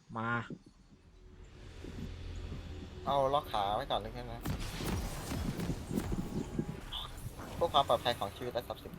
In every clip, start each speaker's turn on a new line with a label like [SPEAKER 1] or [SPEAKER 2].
[SPEAKER 1] มา
[SPEAKER 2] เอาล็อกขาไว้ก่อนเลยแค่นั้นเพื่อความปลอดภัยของชีวิตและทรัพย์สิน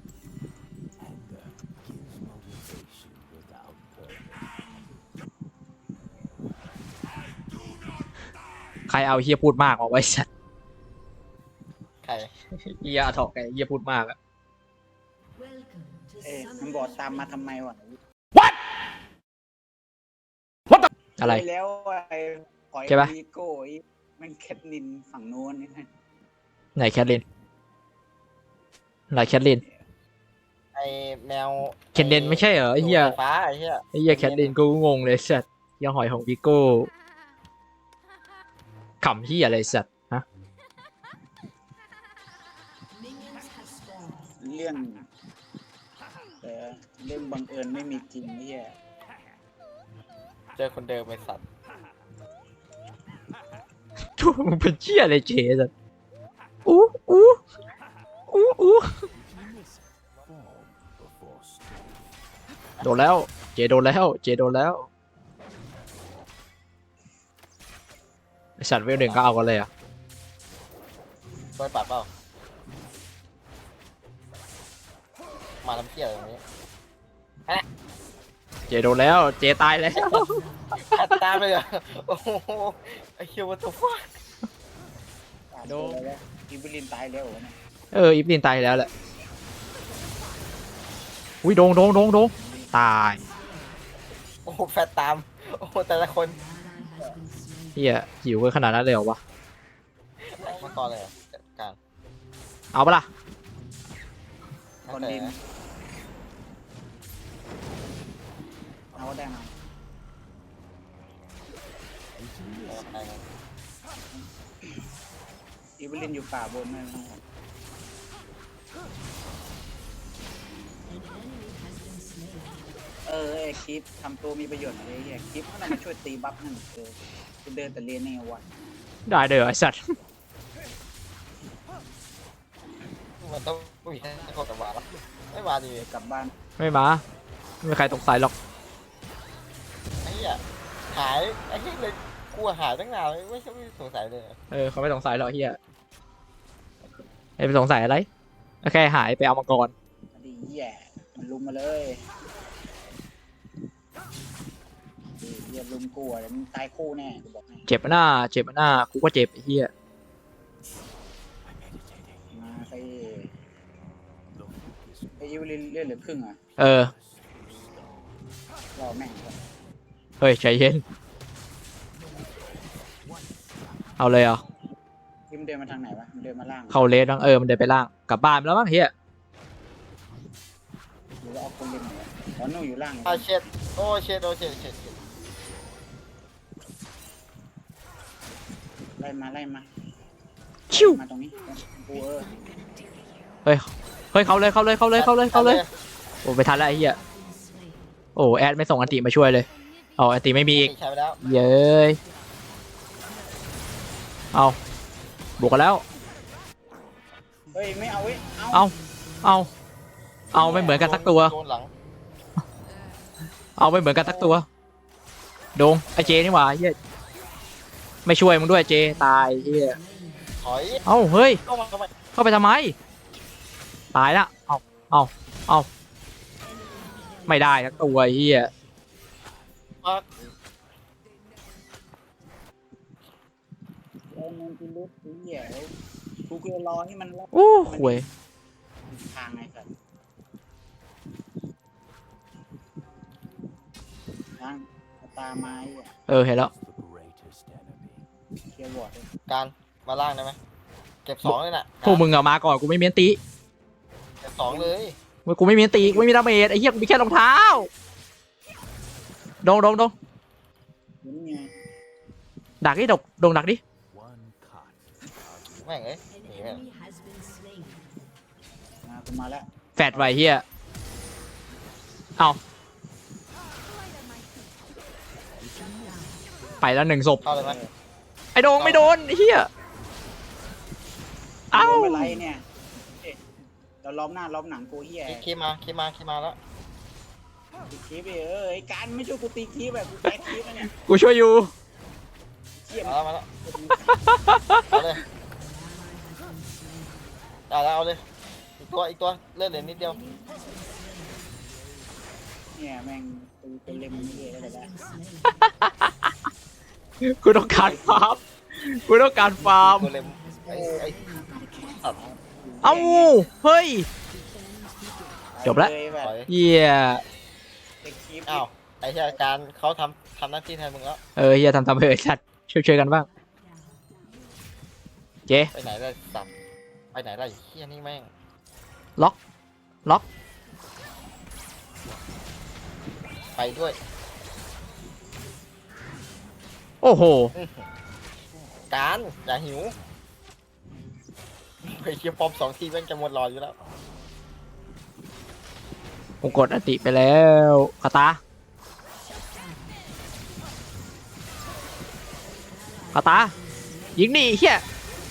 [SPEAKER 1] ใครเอาเฮียพูดมากมาไว้สัตว์
[SPEAKER 2] ใคร
[SPEAKER 1] เฮียถอกไงเฮียพูดมากอะ
[SPEAKER 3] มันบอกตามมาทำไมวะ
[SPEAKER 1] อะไร
[SPEAKER 3] ปแล้วไอ้หอย
[SPEAKER 1] ใช่ปะ
[SPEAKER 3] วีโก้ไอ้แมันแคทลินฝั่งโน้นนี่
[SPEAKER 1] ไหนแคทลินไหนแคทลิน
[SPEAKER 2] ไอแมว
[SPEAKER 1] เคนเดนไม่ใช่เหรอไอ้เฮีย
[SPEAKER 2] ไฟฟ้าไอ้เหี้ย
[SPEAKER 1] ไอ้เฮียแคทลินกูงงเลยสัตว์เฮียหอยของวิโก้ขำเฮียอะไรสัตว์ฮะ
[SPEAKER 3] เรื่องแต่เรื่องบังเอิญไม่มีจริงไอ้เหี้ย
[SPEAKER 2] เจอคนเดิมไอสัตว์
[SPEAKER 1] ทุกมึงเป็นเฮียอะไรเจสัตว์อู้อู้อู้อู้โดนแล้วเจโดนแล้วเจโดนแล้วไอสัตว์เวลหนึ่งก็เอากันเลยอ่ะ
[SPEAKER 2] โดนปรับเปล่ามาทำเพี้ยอะไรตรงนี้
[SPEAKER 1] เจโดนแล้วเจตายแล้ว
[SPEAKER 2] ขัดตามเลยเหรอโอ้โหไอคิววัตถุฟ้า
[SPEAKER 3] โดนแล้วอิบลินตายแล้วเหรอเนี่ย
[SPEAKER 1] อีฟลินตายแล้วแหละอุ้ยโดงตาย
[SPEAKER 2] โอ้โหแฟตตามโอ้โหแต่ละคน
[SPEAKER 1] เฮียหิวกันขนาดนั้นเลยเหรอวะ
[SPEAKER 2] มาก่อนเลยเหรอจัดการ
[SPEAKER 1] เอาปะล่ะ
[SPEAKER 3] คนดินเอาได้มาอิบลินอยู่ป่าบนนั่นนะไอ้คลิปทำตัวมีประโยชน์อะไรเงี้ยคลิปมันมาช่วยตีบัฟนั่นจะเดินแต่เรียนในวัน
[SPEAKER 1] ได้เด้อไอสัตว์
[SPEAKER 2] มันต้องมีแค่คนกับวาแล้วไม่วาดี
[SPEAKER 3] กลับบ้าน
[SPEAKER 1] ไม่มาไม่มีใครสงสัยหรอก
[SPEAKER 2] ไอ้เหี้ยหายไอ้เหี้ยเลยกลัวหายตั้งนานไม่สงสัยเลย
[SPEAKER 1] เขาไม่สงสัยหรอกเฮียไปสงสัยอะไรแค่หายไปเอามังกร
[SPEAKER 3] ดีแย่มันลุมมาเลยเรียบลุมกูอะไรมันตายคู่แน่กูบอกให้
[SPEAKER 1] เจ็บหน้ากูก็เจ็บไอ้เฮีย
[SPEAKER 3] มาไปอิวเลื่อนเหลือครึ่งอ่ะ รอแม่งก่อน
[SPEAKER 1] เฮ้ยใจเย็นเอาเลยเหรอ
[SPEAKER 3] พี่มันเดินมาทางไหนวะมันเดินมาล่าง
[SPEAKER 1] เข้าเลสบ้างมันเดินไปล่างกลับบ้านไปแล้วมั้งเฮีย
[SPEAKER 3] หรือว่าเอาคนเล่นไหนวะอ๋อนู่นอยู่ล่าง
[SPEAKER 2] อ่ะเช็ดโอ้เช็ด
[SPEAKER 3] ไล่มา
[SPEAKER 1] ชิว
[SPEAKER 3] มาตรงนี้กู
[SPEAKER 1] เฮ้ยเข้าเลยโอ้ไปทันแล้วไอ้เฮียโอ้แอดไม่ส่งอันติมาช่วยเลยเอาอันติไม่มีอีก
[SPEAKER 2] ใช้ไปแล้ว
[SPEAKER 1] เย้ยเอาบวกกันแล้ว
[SPEAKER 3] เฮ้ยไม่เอาเว้ย
[SPEAKER 1] เอาไม่เหมือนกันสักตัว
[SPEAKER 2] โดนหลัง
[SPEAKER 1] เอาไม่เหมือนกันสักตัวโดงไอเจนี่หว่าเฮียไม่ช่วยมึงด้วยเจตายเฮีย
[SPEAKER 2] ถอย
[SPEAKER 1] เอ้าเฮ้ย
[SPEAKER 2] เข้ามาทำไม
[SPEAKER 1] เข้าไปทำไมตายละเอาไม่ได้สักตัวเฮีย
[SPEAKER 2] ปัก
[SPEAKER 3] มันกูลุกเหี้ยกูก็รอให้มันรับ
[SPEAKER 1] โอ้ห่วย
[SPEAKER 3] ทางไงสัตว์ทางตาไม้
[SPEAKER 1] เห็นแล้ว
[SPEAKER 3] เคลียร์วอร์ด
[SPEAKER 2] การมาล่างได้ไหมเก็บสองเลยน่ะ
[SPEAKER 1] พวกมึงอะมาก่อนกูไม่มีอันติ
[SPEAKER 2] เก็บสองเลย
[SPEAKER 1] กูไม่มีอันติกูไม่มีดาเมจไอ้เหี้ยกูมีแค่รองเท้าโดง
[SPEAKER 3] นี่ไง
[SPEAKER 1] ดักดิโดงดักดิ
[SPEAKER 2] แม่งเอ้ยหนีแม่ง
[SPEAKER 3] กูมาแล้ว
[SPEAKER 1] แฟดไว้เฮียเอาไปแล้ว1 ศพ
[SPEAKER 2] เข้าเลยไหม
[SPEAKER 1] ไอ้โดงไม่โดนไอ้เฮียเอ้า
[SPEAKER 3] ไม่ไรเนี่ยเราล้อมหน้าล้อมหนังกูเหี้ย
[SPEAKER 2] คีมาแล้ว
[SPEAKER 3] ตีคลิปไอ้การไม่ช่วยกูตีคลิปแบบกูแพ้คลิปนะเนี่ย
[SPEAKER 1] กูช่วยอยู่
[SPEAKER 3] เชี่ย
[SPEAKER 2] มาแล้วเอาเลยได้แล้วเอาเลยอีกตัวเลื่อนเหลือนิดเดียว
[SPEAKER 3] เนี่ยแม่งกูเป็นเล่มเรื่อยๆแล้วแต่
[SPEAKER 1] กูต้องการฟาร์มกูต้องการฟาร์ม
[SPEAKER 2] ตัวเล็มไอ้สัตว์
[SPEAKER 1] เอ้าเฮ้ย จบละ
[SPEAKER 3] แบบ
[SPEAKER 2] ปล่อย
[SPEAKER 1] เหี้ย
[SPEAKER 3] ตีคลิป
[SPEAKER 2] อ้าวไอ้ที่อาการเขาทำหน้าที่แทนมึงแล้ว
[SPEAKER 1] เฮียทำไปเถอะชัดช่วยกันบ้างเจ๊
[SPEAKER 2] ไปไหนได้สัตว์ไปไหนได้เฮียนี่แม่ง
[SPEAKER 1] ล็อก
[SPEAKER 2] ไปด้วย
[SPEAKER 1] โอ้โห
[SPEAKER 2] การอย่าหิวไปเคียร์ปอม2 ทีแม่งจะหมดรออยู่แล้ว
[SPEAKER 1] ผมกดอติไปแล้วคาตายิงนี่เฮีย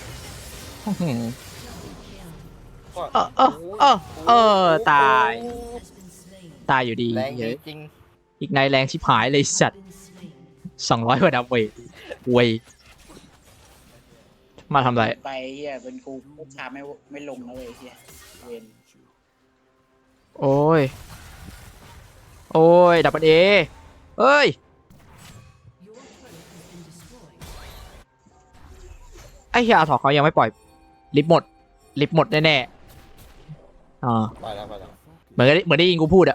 [SPEAKER 2] ก็
[SPEAKER 1] ตายอยู่ดี
[SPEAKER 2] แรง
[SPEAKER 1] เยอะ
[SPEAKER 2] จริง
[SPEAKER 1] อีกในแรงชิบหายเลยสัตว์200กว่าดาเมจเว้ยมาทำไร
[SPEAKER 3] ไปเฮียเป็นกูพุชชาไม่ลงนะเลยเฮียเวน
[SPEAKER 1] โอ้ยดับเบิลเอเอ้ยไอ้เฮียอาถอเขายังไม่ปล่อยลิฟต์หมดแน่ๆ
[SPEAKER 2] ไปแล้ว
[SPEAKER 1] เหมือนได้ยินกูพูดอะ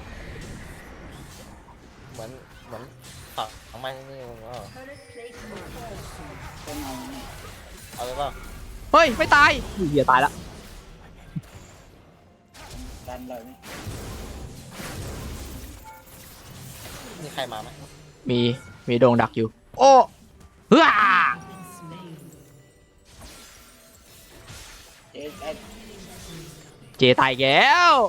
[SPEAKER 2] เหมือนฝักทำไมนี่มึงว่า
[SPEAKER 3] ต้องเอาเนี่ย
[SPEAKER 2] เอาเลยเปล่า
[SPEAKER 1] เฮ้ยไม่ตายเฮียตายละ
[SPEAKER 3] ดันเลยนี่
[SPEAKER 2] มีใครมาไหม
[SPEAKER 1] มีโดงดักอยู่โอ้เฮ้อ เจตายแล้ว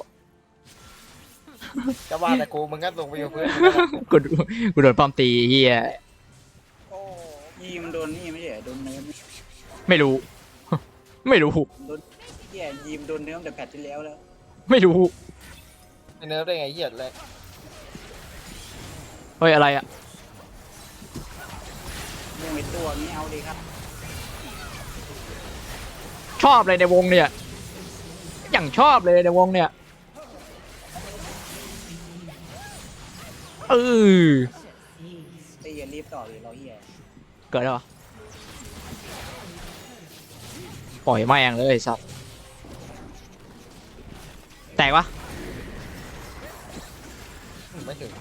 [SPEAKER 2] จะว่าแต่กูมึงก็ลงไปอยู่เพื่อน
[SPEAKER 1] กูโดนป้อมตีเฮีย
[SPEAKER 3] โอ้ยีมันโดนนี่ไม่ใช่เหรอโดนเนื้อ
[SPEAKER 1] ไม่รู้
[SPEAKER 3] โดนเฮียยีมโดนเนื้อแต่แพทที่แล้ว
[SPEAKER 1] ไม่รู้
[SPEAKER 2] ไอ้เนิร์ฟได้ไงเหี้ยเลย
[SPEAKER 1] เฮ้ยอะไรอะ
[SPEAKER 3] มวยตัวนี้เอาดีครับ
[SPEAKER 1] ชอบเลยในวงเนี่ยอย่างชอบเลยในวงเนี่ย
[SPEAKER 3] ตีอย่ารีบต่อเลยเราเฮีย
[SPEAKER 1] เกิดแล้วเหรอปล่อยแม่งเลยสัตว์แตกปะ
[SPEAKER 2] ไม่ถึง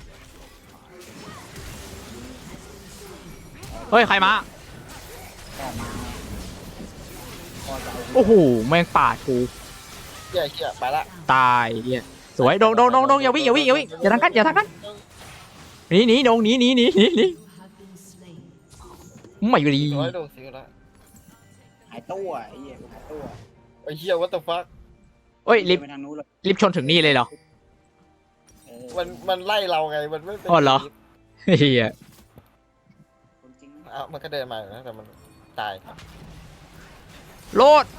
[SPEAKER 1] เฮ้ยใครมา
[SPEAKER 3] ต่อมาพอจะเอา
[SPEAKER 1] โอ้โหแม่งปาดกู
[SPEAKER 2] เหี้ยไปละ
[SPEAKER 1] ตายเฮียสวยโดงอย่าวิ่งอย่าทางกันหนีโดงหนีไม่ดี
[SPEAKER 2] ร้อยโดนสิละ
[SPEAKER 3] หายตัวไอ้เหี้ยหายตัว
[SPEAKER 2] ไอ้เหี้ย what the fuck
[SPEAKER 1] เฮ้ยลิฟ
[SPEAKER 3] ไปทางนู้นเลย
[SPEAKER 1] ชนถึงนี่เลยเหรอ
[SPEAKER 2] มันไล่เราไงมันไม่เป็น
[SPEAKER 1] อ๋อเหรอ เฮีย
[SPEAKER 3] คนจริง
[SPEAKER 2] อ้าวมันก็เดินมาอยู่นะแต่มันตาย
[SPEAKER 1] โลด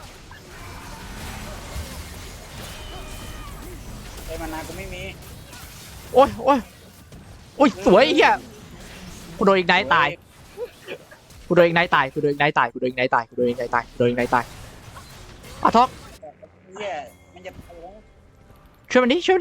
[SPEAKER 3] ไอ้มานากูไม่มี
[SPEAKER 1] โอ้ยสวยเฮียกูโดนอีกไนท์ตายอาท็อก
[SPEAKER 3] เหี้ยมันจะโอ้
[SPEAKER 1] ช่วยมันดิ
[SPEAKER 3] เพื่อน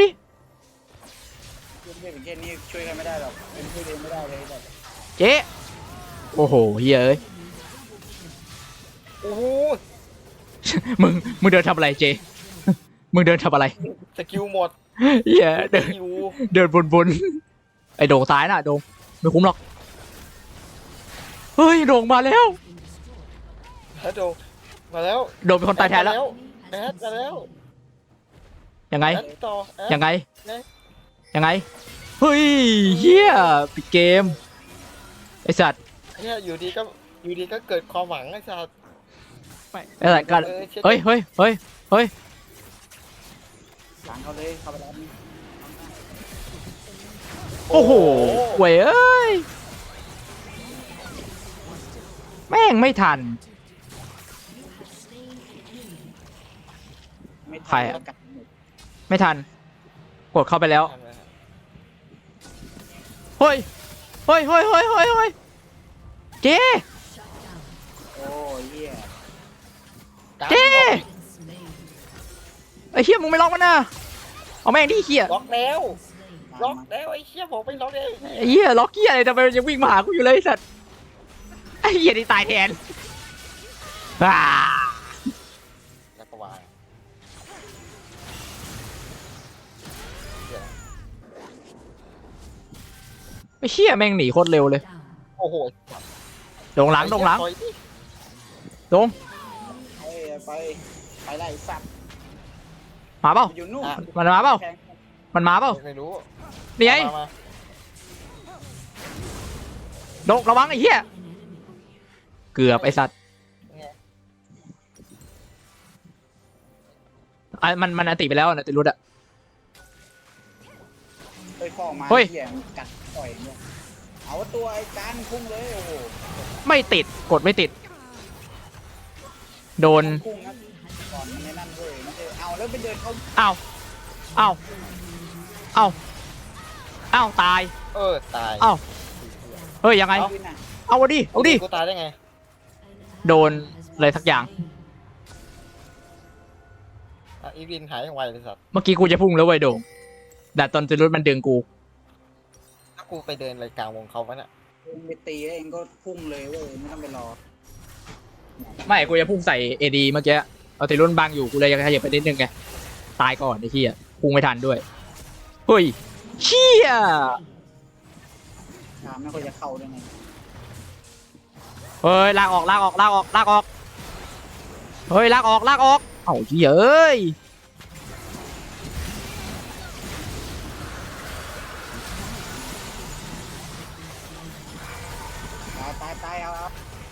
[SPEAKER 3] เป็นแค่นี้ช่วยกันไม่ได้หรอกเป็นช่วยเองไม่ได้เลยแบบ
[SPEAKER 1] เจ๊โอ้โหเฮียเอ้ย
[SPEAKER 2] โอ้โห
[SPEAKER 1] มึงเดินทำอะไรเจ มึงเดินทำอะไร
[SPEAKER 2] สกิลหมด
[SPEAKER 1] เฮียเดิน
[SPEAKER 2] อยู่
[SPEAKER 1] บนไอโด่งตายน่ะโด่งไม่คุ้มหรอกเฮ้ยโด่งมาแล้ว
[SPEAKER 2] แล้วโดมาแล้ว
[SPEAKER 1] โด่งเป็นคนตายแทนแล้ว
[SPEAKER 2] แอดมาแล้ว
[SPEAKER 1] ยังไง
[SPEAKER 2] แอดต่อแอด
[SPEAKER 1] ยังไงเฮ้ยเฮียปิดเกมไอสัตว์
[SPEAKER 2] เนี่ยอยู่ดีก็เกิดความหวังไอ้สัส
[SPEAKER 1] ไอสัตว์กันเฮ้ย
[SPEAKER 3] หลังเขาเลยเข้าไปรับนี่
[SPEAKER 1] โอ้โหเว้ยเอ้ยแม่งไม่ทัน
[SPEAKER 3] ไม่
[SPEAKER 1] ใคร
[SPEAKER 3] ทัน
[SPEAKER 1] อะ
[SPEAKER 3] แล้วกัดหมด
[SPEAKER 1] ไม่ทันกดเข้าไปแล้ว
[SPEAKER 2] ทำไงฮะ
[SPEAKER 1] เฮ้ยเฮ้ยเฮ้ยเฮ้ยเฮ้ยเฮ้ยเจ๊
[SPEAKER 3] โอ้ยเหี้ย
[SPEAKER 1] เจ๊ไอ้เหี้ยมึงไม่ล็อกมันนะเอาแม่งดิเหี้ย
[SPEAKER 2] ล็อกแล้ว
[SPEAKER 3] มา
[SPEAKER 2] ล็อก
[SPEAKER 3] มา
[SPEAKER 2] แล้วไอ้เหี้ยผมไม่ล็อกเลย
[SPEAKER 1] ไอ้เหี้ยล็อกเหี้ยอะไรทำไมมันยังวิ่งมาหากูอยู่เลยไอ้สัตว์ไอ้เหี้ยนี่ตายแทนอ่า
[SPEAKER 2] แล้วก็วางเหี้ย
[SPEAKER 1] ไอ้เหี้ยแม่งหนีโคตรเร็วเลย
[SPEAKER 2] โอ้โห
[SPEAKER 1] โด่งหลังโด่งหลัง
[SPEAKER 2] ปล่อยดิ
[SPEAKER 1] โด่ง
[SPEAKER 3] ไปไล่สัตว์
[SPEAKER 1] มาเปล่า
[SPEAKER 3] อยู่นู่น
[SPEAKER 1] มันมาเปล่า
[SPEAKER 3] แทง
[SPEAKER 1] มันมาเปล่า
[SPEAKER 2] ไม่รู้
[SPEAKER 1] นี่ไง
[SPEAKER 2] มา
[SPEAKER 1] โด่งระวังไอ้เหี้ยเกือบไอ้สัตว์ไอ้มันอันติไปแล้วนะติรุดอะ
[SPEAKER 3] เฮ้ยฟอกมา
[SPEAKER 1] เฮ้ย
[SPEAKER 3] เหี้ยมันกัดต่อยเนี่ยเอาตัวไอ้การพุ่งเลยโอ้โห
[SPEAKER 1] ไม่ติดกดไม่ติด โดน
[SPEAKER 3] พุ่งนะก่อนมันในนั่นเว้ยมันจะเอาแล้วไปเดินเข้า
[SPEAKER 1] อ้าวอ้าวอ้าวอ้าวตาย
[SPEAKER 2] ตาย
[SPEAKER 1] อ้าว เฮ้ยยังไง
[SPEAKER 3] ขึ้นน่ะ
[SPEAKER 1] เอาดิเอาดิ
[SPEAKER 2] กูตายได้ไง
[SPEAKER 1] โดนอะไรสักอย่าง
[SPEAKER 2] อีวินหายอย่างไวเลยสัตว์
[SPEAKER 1] เมื่อกี้กูจะพุ่งแล้วเว้ยโด่งแต่ตอนติรุดมันดึงกู
[SPEAKER 2] ถ้ากูไปเดินรายกลางวงเขาวะน่ะ
[SPEAKER 3] เองไปตีแล้วเองก็พุ่งเลยเว้ยไม่ต้องไปรอ
[SPEAKER 1] ไม่กูจะพุ่งใส่เอดีเมื่อกี้เอาติรุดบังอยู่กูเลยยังขยับไปนิดนึงไงตายก่อนไอ้เหี้ยพุ่งไม่ทันด้วยเฮ้ยเชี่ย
[SPEAKER 3] ถามไม่ค่อยจะเข้าด้วยไง
[SPEAKER 1] เฮ้ยลากออกลากออกลากออกลากออกเฮ้ยลากออกลากออกเอ้าเหี้ยเอ้ย
[SPEAKER 3] ตายเอา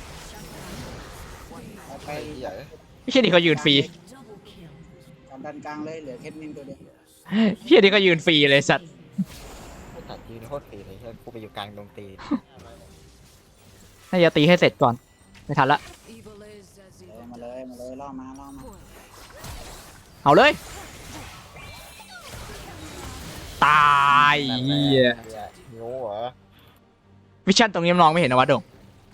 [SPEAKER 3] ไป
[SPEAKER 2] ไอ้เหี้ย
[SPEAKER 1] เชี่ยนี่ก็ยืนฟรี
[SPEAKER 3] การดันกลางเลยเหลือแค่นินตัวเดียว
[SPEAKER 1] เชี่ยนี่ก็ยืนฟรีเลยสัตว์
[SPEAKER 2] ตัดยืนโคตรตีเลยเหี้ยกูไปอยู่กลางดงตี
[SPEAKER 1] น่าจะตีให้เสร็จก่อนไม่ทันละ
[SPEAKER 3] มาเลยล่อมา
[SPEAKER 1] เอาเลยตายเหี้ย
[SPEAKER 2] โง่เหรอ
[SPEAKER 1] วิชั่นตรงนี้มันมองไม่เห็นนะวะโด่ง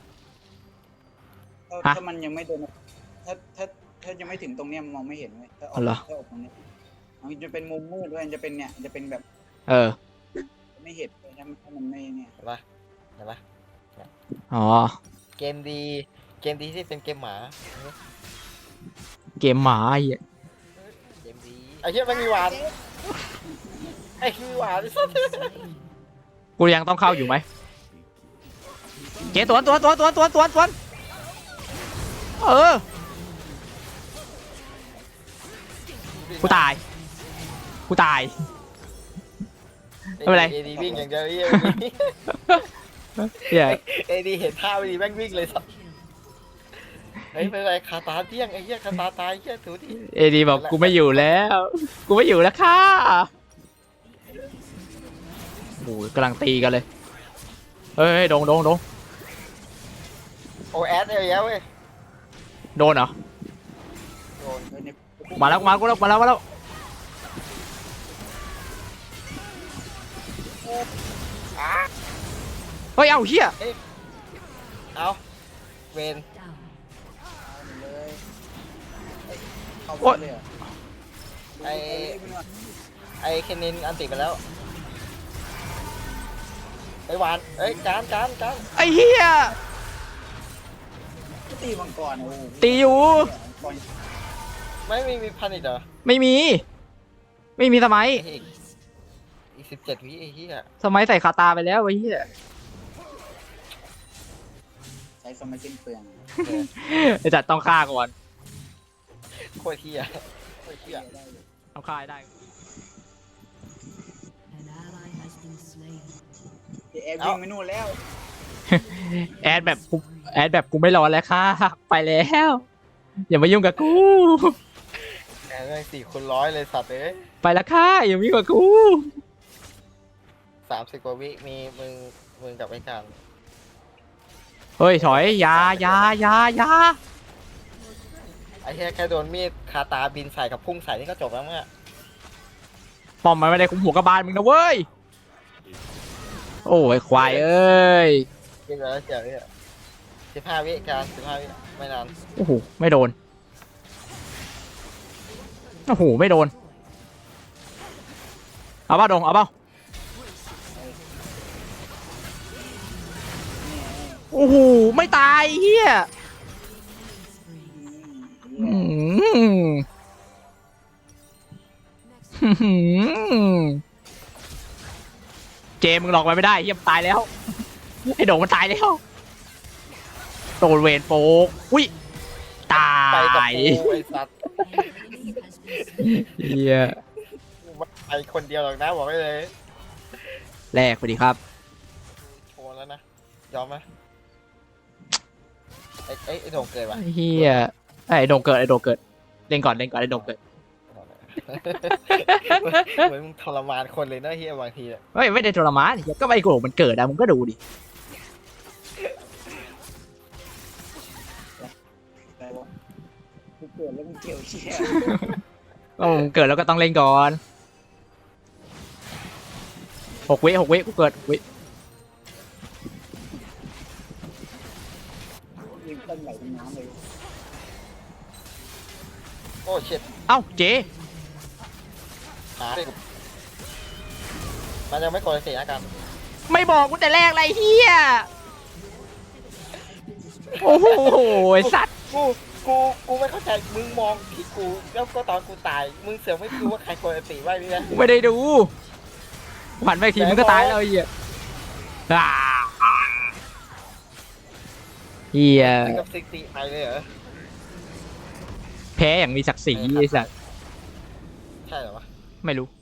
[SPEAKER 1] ฮะ
[SPEAKER 3] ถ้ามันยังไม่โดนถ้ายังไม่ถึงตรงเนี้ยมันมองไม่เห็นเลยถ้าอ
[SPEAKER 1] อ๋อเหรอ
[SPEAKER 3] ถ้าออกตรงนี้มันจะเป็นมุมมืดด้วยมันจะเป็นเนี่ยจะเป็นแบบ
[SPEAKER 1] เออ
[SPEAKER 3] ไม่เห็นเลยถ้ามันไม่เนี่ย
[SPEAKER 2] เห็นปะเห็นปะ
[SPEAKER 1] อ๋อ
[SPEAKER 2] เกมดีที่เป็นเกมหมา
[SPEAKER 1] เกมหมาไอ้เหี้ย
[SPEAKER 2] เกมดีไอ้เหี้ยมันมีหวานไอ้มีหวานไอ้สัส
[SPEAKER 1] กูยังต้องเข้าอยู่ไหมเจ๊ตัวเออกูตายไม่เป็นไร
[SPEAKER 2] เอดีวิ่งอย่างเดียวเหี้ย
[SPEAKER 1] เหี้ย
[SPEAKER 2] เอดีเห็นท่าไม่ดีแม่งวิ่งเลยสัสเฮ้ยไม่เป็นไรคาตาเที่ยงไอ้เหี้ยคาตาตายเหี้ยถูดิ
[SPEAKER 1] เอดีบอกกูไม่อยู่แล้วค่ะโอ้ยกำลังตีกันเลยเฮ้ยโดง
[SPEAKER 2] โอแอดเอาแล้วเว้ย
[SPEAKER 1] โดนเหรอ
[SPEAKER 2] โดน
[SPEAKER 1] มาแล้ว
[SPEAKER 2] อ่ะ
[SPEAKER 1] เฮ้ย เอาเฮีย
[SPEAKER 2] เอาเวน
[SPEAKER 3] เลยเข้าไปเลยเหรอ
[SPEAKER 2] ไอเคนนินอันติไปแล้วไอหวานเอ้ยจาน
[SPEAKER 1] ไอ้เฮีย
[SPEAKER 3] ตีมังกรโอ้โห
[SPEAKER 1] ตีอยู่
[SPEAKER 3] ก่อน
[SPEAKER 2] ไม่มีพันอีกเหรอ
[SPEAKER 1] ไม่มีสมัย
[SPEAKER 2] ไอ้อีก17 วิไอ้เหี้ย
[SPEAKER 1] สมัยใส่คาตาไปแล้วไอ้เฮีย
[SPEAKER 3] ใช้สมัยสิ้นเปลือง
[SPEAKER 1] ไอ้จัดต้องฆ่าก่อน
[SPEAKER 2] โคตรเหี้ยโคตรเหี้ย
[SPEAKER 1] ต้องฆ่าให้ได้
[SPEAKER 3] แอบวิ่งไปนู่นแล้ว
[SPEAKER 1] แอดแบบกูไม่รอแล้วค่ะไปแล้วอย่ามายุ่งกับกู
[SPEAKER 2] แม่ง4 คูณ 100เลยสัตว์เอ้ย
[SPEAKER 1] ไปแล้วค่ะอย่ามายุ่งกับกู
[SPEAKER 2] 30 กว่าวิมีมึงกับไอ้การ
[SPEAKER 1] เฮ้ยถอยอยา
[SPEAKER 2] ไอ้เหี้ยแค่โดนมีดคาตาบินใส่กับพุ่งใส่นี่ก็จบแล้วมั้งอะ
[SPEAKER 1] ปอมมันไม่ได้คุมหัวกระบาลมึงนะเว้ยโอ้ยควายเอ้ย
[SPEAKER 2] กินไปแล้วเจ๋อเนี่ย15 วิการ15 วิไม่นาน
[SPEAKER 1] โอ้โหไม่โดนโอ้โหไม่โดนเอาเปล่าดงเอาเปล่าโอ้โหไม่ตายเฮียอืมเจมึงหลอกมันไม่ได้เฮียมันตายแล้วไอ้โด่งมันตายแล้วโดนเวนโฟกอุ้ยตา
[SPEAKER 2] ไปกับ
[SPEAKER 1] ย
[SPEAKER 2] กูไอ้สัตว์
[SPEAKER 1] เฮีย
[SPEAKER 2] กูไม่ไปคนเดียวหรอกนะบอกไว้เลย
[SPEAKER 1] แลกไปดีครับ
[SPEAKER 2] โชว์แล้วนะยอมไหมไอ้โด่งเกิดวะ
[SPEAKER 1] เฮียไอ้โด่งเกิดไอ้โด่งเกิดเล่นก่อนเล่นก่อนไอ้โด่งเกิด
[SPEAKER 2] เหมือนมึงทรมานคนเลยนะเฮียบางทีอะ
[SPEAKER 1] ไม่ได้ทรมานเฮียก็ไอ้โด่งมันเกิดอะมึงก็ดูดิ
[SPEAKER 3] แต่ว่ากูเกิดแล้วมึงเกี่ยวเชี่ย
[SPEAKER 1] ก็มึงเกิดแล้วก็ต้องเล่นก่อน6 วิกูเกิด6 วิ
[SPEAKER 3] ยิงต้นไหลเป็นน้ำเลย
[SPEAKER 2] โอ้เช็ด
[SPEAKER 1] เอ้าเจ
[SPEAKER 2] หาดิมันยังไม่กดเสียอาการ
[SPEAKER 1] ไม่บอกกูแต่แรกไรเฮียโอ้โหไอ้สัตว์
[SPEAKER 2] กูไม่เข้าใจมึงมองที่กูแล้วก็ตอนกูตายมึงเสือกไม่รู้ว่าใครกดติไว้นี่นะ
[SPEAKER 1] กูไม่ได้ดูหันไปอีกทีมึงก็ตายแล้วไอ้เฮียอ่าเฮีย
[SPEAKER 2] ถึงกับซิกตีไปเลยเหรอ
[SPEAKER 1] แพ้อย่างมีศักดิ์ศรีไอ้สัตว์
[SPEAKER 2] ใช่เหรอวะ
[SPEAKER 1] ไม่รู้